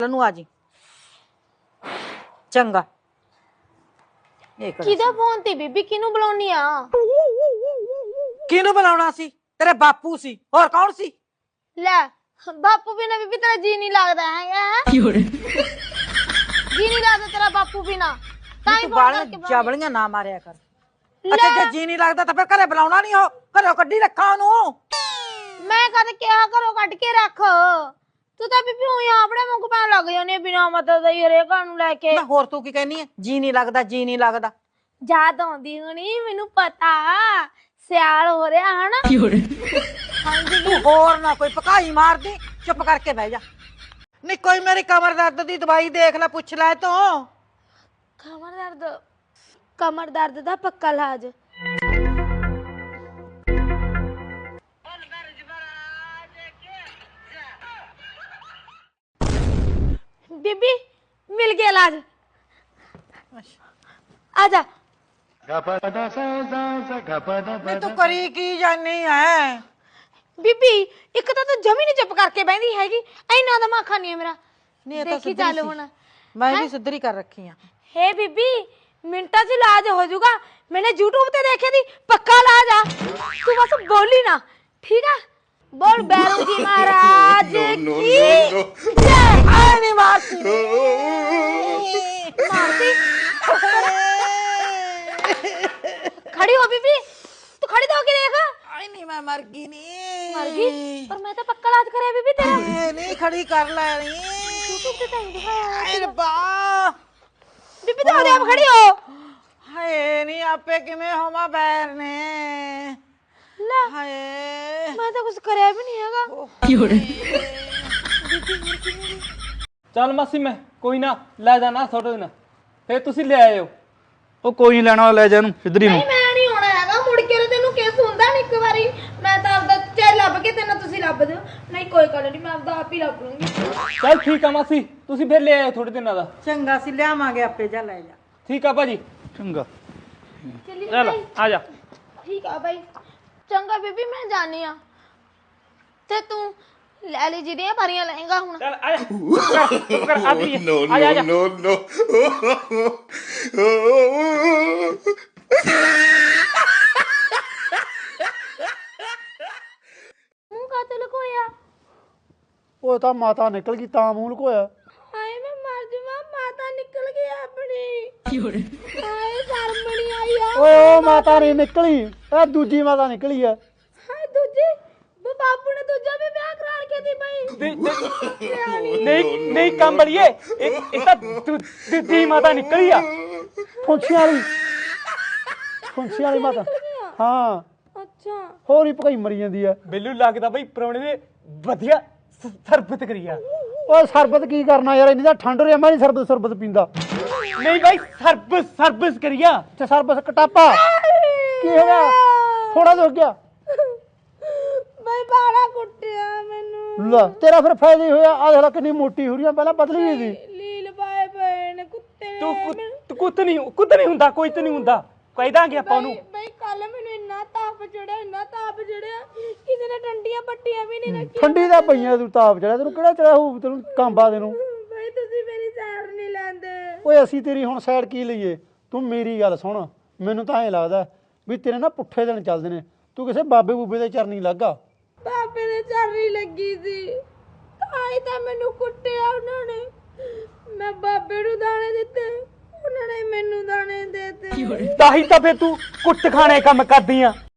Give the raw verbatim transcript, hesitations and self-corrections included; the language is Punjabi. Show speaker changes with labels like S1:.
S1: ਨੂੰ ਆ ਜੀ ਚੰਗਾ।
S2: ਕਿਹਦਾ ਫੋਨ ਤੇ ਬੀਬੀ? ਕਿਹਨੂੰ ਬੁਲਾਉਣੀ ਆ?
S1: ਕਿਹਨੂੰ ਬੁਲਾਉਣਾ ਸੀ? ਤੇਰੇ ਬਾਪੂ ਸੀ, ਹੋਰ ਕੌਣ ਸੀ?
S2: ਲੈ ਬਾਪੂ ਬਿਨਾ ਬੀਬੀ ਤੇਰਾ ਜੀ ਨਹੀਂ ਲੱਗਦਾ ਹੈਗਾ। ਜੀ ਨਹੀਂ ਲੱਗਦਾ ਤੇਰਾ ਬਾਪੂ ਬਿਨਾ, ਤਾਂ ਹੀ ਫੋਨ ਕਰਕੇ
S1: ਜਾਬਲੀਆਂ ਨਾ ਮਾਰਿਆ ਕਰ। ਅੱਛਾ ਜੇ ਜੀ ਨਹੀਂ ਲੱਗਦਾ ਤਾਂ ਫਿਰ ਘਰੇ ਬੁਲਾਉਣਾ ਨਹੀਂ, ਹੋ ਘਰੋਂ ਕੱਢੀ ਰੱਖਾ ਉਹਨੂੰ।
S2: ਮੈਂ ਕਦ ਕਿਹਾ ਘਰੋਂ ਕੱਢ ਕੇ ਰੱਖ? ਤੂੰ ਤਾਂ ਬੀਬੀ ਉਹੀ ਆਪਣੇ ਮੂੰਹ ਪੈਣ ਲੱਗ ਜਾਂਦੀ ਬਿਨਾ ਮਤਲਬ ਦਾ ਹੀ ਹਰੇਕ ਨੂੰ ਲੈ ਕੇ।
S1: ਮੈਂ ਹੋਰ ਤੂੰ ਕੀ ਕਹਿਨੀ ਹੈ? ਜੀ ਨਹੀਂ ਲੱਗਦਾ, ਜੀ ਨਹੀਂ ਲੱਗਦਾ।
S2: ਯਾਦ ਆਉਂਦੀ ਹੋਣੀ ਮੈਨੂੰ ਪਤਾ, ਸਿਆਲ ਹੋ ਰਿਹਾ ਹਨਾ।
S1: ਤੂੰ ਹੋਰ ਨਾ ਕੋਈ ਪਕਾਈ ਮਾਰਦੀ, ਚੁੱਪ ਕਰਕੇ ਬਹਿ ਜਾ। ਨਹੀਂ ਕੋਈ ਮੇਰੀ ਕਮਰ ਦਰਦ ਦੀ ਦਵਾਈ ਦੇਖ ਲੈ, ਪੁੱਛ ਲੈ ਤੂੰ।
S2: ਕਮਰ ਦਰਦ? ਕਮਰ ਦਰਦ ਦਾ ਪੱਕਾ ਇਲਾਜ ਬੀਬੀ ਮਿਲ ਗਿਆ ਇਲਾਜ। ਆ ਜਾ।
S1: ਮੈਂ ਤੂੰ ਕਰੀ ਕੀ ਜਾਨੀ ਹੈ
S2: ਬੀਬੀ? ਇੱਕ ਤਾਂ ਤੂੰ ਜਮੀ ਨੀ ਚੁੱਪ ਕਰਕੇ ਬਹਿੰਦੀ ਹੈਗੀ, ਇੰਨਾ ਦਿਮਾਗ ਖਾਨੀ ਹੈ ਮੇਰਾ। ਦੇਖੀ ਚੱਲ ਹੁਣ,
S1: ਮੈਂ ਵੀ ਸਿੱਧਰੀ ਕਰ ਰੱਖੀ ਆ।
S2: ਹੇ ਬੀਬੀ ਮਿੰਟਾਂ 'ਚ ਇਲਾਜ ਹੋ ਜਾਊਗਾ, ਮੈਨੇ YouTube ਤੇ ਦੇਖਿਆ ਦੀ, ਪੱਕਾ ਇਲਾਜ ਆ। ਤੂੰ ਬਸ ਬੋਲੀ ਨਾ, ਠੀਕ ਆ? बोल बैरू जी महाराज की जय। नहीं मारती मारती खड़ी हो बीबी, तू खड़ी तो होके देख।
S1: आई नहीं मैं मर गई नहीं,
S2: मर गई पर मैं तो पक्का इलाज करे बीबी तेरा।
S1: नहीं खड़ी कर ले रही
S2: यूट्यूब पे तो दिखाया
S1: रब्बा।
S2: बीबी तो आप खड़ी हो।
S1: हाय नहीं आपे किमें होमा बैर ने
S2: ला
S1: हाय
S2: मैं तो कुछ करया भी नहीं हैगा।
S3: ਚੱਲ ਮਾਸੀ ਮੈਂ ਕੋਈ ਨਾ ਲੈ ਜਾਣਾ ਥੋੜੇ ਦਿਨ, ਫੇਰ ਤੁਸੀਂ ਲੈ ਆਇਓ।
S4: ਉਹ ਕੋਈ ਨਹੀਂ ਲੈਣਾ, ਲੈ ਜਾ ਇਹਨੂੰ ਸਿੱਧਰੀ ਨੂੰ।
S2: ਨਹੀਂ ਮੈਂ ਨਹੀਂ ਹੋਣਾ ਹੈਗਾ ਮੁੜ ਕੇ, ਤੈਨੂੰ ਕਿਸ ਹੁੰਦਾ ਨਹੀਂ ਇੱਕ ਵਾਰੀ। ਮੈਂ ਤਾਂ ਆਪਦਾ ਚਾਹ ਲੱਭ ਕੇ ਤੈਨੂੰ ਤੁਸੀਂ ਲੱਭ ਦਿਓ। ਨਹੀਂ ਕੋਈ ਗੱਲ ਨਹੀਂ, ਮੈਂ ਆਪਦਾ ਆਪ ਹੀ ਲੱਭ ਲੂੰਗੀ।
S3: ਚੱਲ ਠੀਕ ਆ ਮਾਸੀ, ਤੁਸੀਂ ਫੇਰ ਲੈ ਆਇਓ ਥੋੜੇ ਦਿਨਾਂ ਦਾ।
S1: ਚੰਗਾ ਸੀ ਲਿਆਵਾਂਗੇ ਆਪੇ, ਜਾ ਲੈ ਜਾ।
S3: ਠੀਕ ਆ ਭਾਜੀ,
S4: ਚੰਗਾ
S2: ਚੱਲੀ
S3: ਚੱਲ ਆ ਜਾ।
S2: ਠੀਕ ਆ ਬਾਈ, ਚੰਗਾ ਬੀਬੀ ਮੈਂ ਜਾਣੀ ਆ। ਤੇ ਤੂੰ ਲੈ ਲਈ ਜਿਹੜੀਆਂ ਭਰੀਆਂ ਲਏਗਾ ਹੁਣ।
S3: ਚੱਲ ਆ ਜਾ ਕਰ ਕਰ ਆ ਗਈ।
S5: No,
S3: ਆ ਜਾ ਆ ਜਾ।
S5: no, no,
S2: ਮੂੰਹ ਕਾਤੇ ਲਕੋਇਆ?
S4: ਉਹ ਤਾਂ ਮਾਤਾ ਨਿਕਲ ਗਈ ਤਾਂ ਮੂੰਹ ਲੁਕੋਇਆ।
S2: ਹਾਏ ਮੈਂ ਮਰ ਜਾਵਾਂ, ਮਾਤਾ ਨਿਕਲ ਗਈ ਆਪਣੀ। ਹਾਏ ਸ਼ਰਮ ਨਹੀਂ ਆਈ ਆ।
S4: ਓ ਮਾਤਾ ਨਹੀਂ ਨਿਕਲੀ, ਇਹ ਦੂਜੀ ਮਾਤਾ ਨਿਕਲੀ ਆ।
S2: ਹਾਏ ਦੂਜੀ ਉਹ ਬਾਪੂ ਨੇ ਦੂਜਾ ਵੀ ਵਿਆਹ ਕਰਾ ਕੇ ਦੀ ਬਈ।
S3: ਨਹੀਂ ਨਹੀਂ ਕੰਮ ਬੜੀਏ, ਇਹ ਇਹ ਤਾਂ ਦੂਜੀ ਮਾਤਾ ਨਿਕਲੀ ਆ।
S4: ਫੁੰਛੀ ਵਾਲੀ, ਫੁੰਛੀ ਵਾਲੀ ਮਾਤਾ। ਹਾਂ
S2: ਅੱਛਾ
S4: ਹੋਰ ਹੀ ਭਕਾਈ ਮਰੀ ਜਾਂਦੀ ਆ।
S3: ਬਿੱਲੂ ਲੱਗਦਾ ਬਈ ਪ੍ਰਾਹੁਣੇ ਨੇ ਵਧੀਆ ਸਰਬਤ ਕਰੀਆ।
S4: ਓਏ ਸਰਬਤ ਕੀ ਕਰਨਾ ਯਾਰ, ਇੰਨੀ ਤਾਂ ਠੰਡ ਰਿਹਾ, ਮੈਂ ਨਹੀਂ ਸਰਬਤ ਸਰਬਤ ਪੀਂਦਾ।
S3: ਨਹੀਂ ਬਾਈ ਸਰਬਸ ਸਰਬਸ ਕਰੀਆ।
S4: ਤੇ ਸਰਬਤ ਕਟਾਪਾ ਕੀ ਹੋ ਗਿਆ? ਥੋੜਾ ਜਿਹਾ ਹੋ ਗਿਆ
S2: ਬਈ ਬਾੜਾ ਕੁੱਟਿਆ ਮੈਨੂੰ।
S4: ਲੈ ਤੇਰਾ ਫਿਰ ਫਾਇਦਾ ਹੀ ਹੋਇਆ। ਆ ਦੇਖ ਲੈ ਕਿੰਨੀ ਮੋਟੀ ਹੋ ਰਹੀ ਆ, ਪਹਿਲਾਂ ਪਤਲੀ ਹੋਈ ਸੀ।
S2: ਲੀਲ ਪਾਏ ਪਏ ਨੇ ਕੁੱਤੇ ਨੇ।
S3: ਤੂੰ ਤੂੰ ਕੁੱਤ ਨਹੀਂ ਕੁੱਤ ਨਹੀਂ ਹੁੰਦਾ, ਕੋਈ ਤੇ ਨਹੀਂ ਹੁੰਦਾ, ਕਹਿ ਦਾਂਗੇ ਆਪਾਂ ਉਹਨੂੰ।
S2: ਬਈ ਕੱਲ ਮੈਨੂੰ ਇੰਨਾ ਤਾਪ ਚੜਿਆ, ਇੰਨਾ ਤਾਪ ਚੜਿਆ, ਕਿਸੇ ਨੇ ਡੰਡੀਆਂ ਪੱਟੀਆਂ ਵੀ ਨਹੀਂ ਰੱਖੀਆਂ।
S4: ਠੰਡੀ ਦਾ ਪਈਆਂ ਤੂੰ, ਤਾਪ ਚੜਿਆ ਤੈਨੂੰ, ਕਿਹੜਾ ਚੜਿਆ ਹੋਊ ਤੈਨੂੰ ਕਾਂਬਾ ਦੇ ਨੂੰ।
S2: ਬਈ ਤੁਸੀਂ ਮੇਰੀ ਸਾਈਡ ਨਹੀਂ ਲੈਂਦੇ।
S4: ਓਏ ਅਸੀਂ ਤੇਰੀ ਹੁਣ ਸਾਈਡ ਕੀ ਲਈਏ? ਤੂੰ ਮੇਰੀ ਗੱਲ ਸੁਣ, ਮੈਨੂੰ ਤਾਂ ਐਂ ਲੱਗਦਾ ਵੀ ਤੇਰੇ ਨਾ ਪੁੱਠੇ ਦਿਨ ਚੱਲਦੇ ਨੇ। ਤੂੰ ਕਿਸੇ ਬਾਬੇ ਬੂਬੇ ਦੇ ਚਰਨੀ ਲੱਗਾ।
S2: ਬਾਬੇ ਦੇ ਚਰਨੀ ਲੱਗੀ ਸੀ, ਆਈ ਤਾਂ ਮੈਨੂੰ ਕੁੱਟਿਆ ਉਹਨਾਂ ਨੇ। ਮੈਂ ਬਾਬੇ ਨੂੰ ਦਾਣੇ ਦਿੱਤੇ, ਉਹਨਾਂ ਨੇ ਮੈਨੂੰ ਦਾਣੇ ਦੇਤੇ।
S3: ਤਾਂ ਹੀ ਤਾਂ ਫੇਰ ਤੂੰ ਕੁੱਟ ਖਾਣੇ ਕੰਮ ਕਰਦੀ ਆ।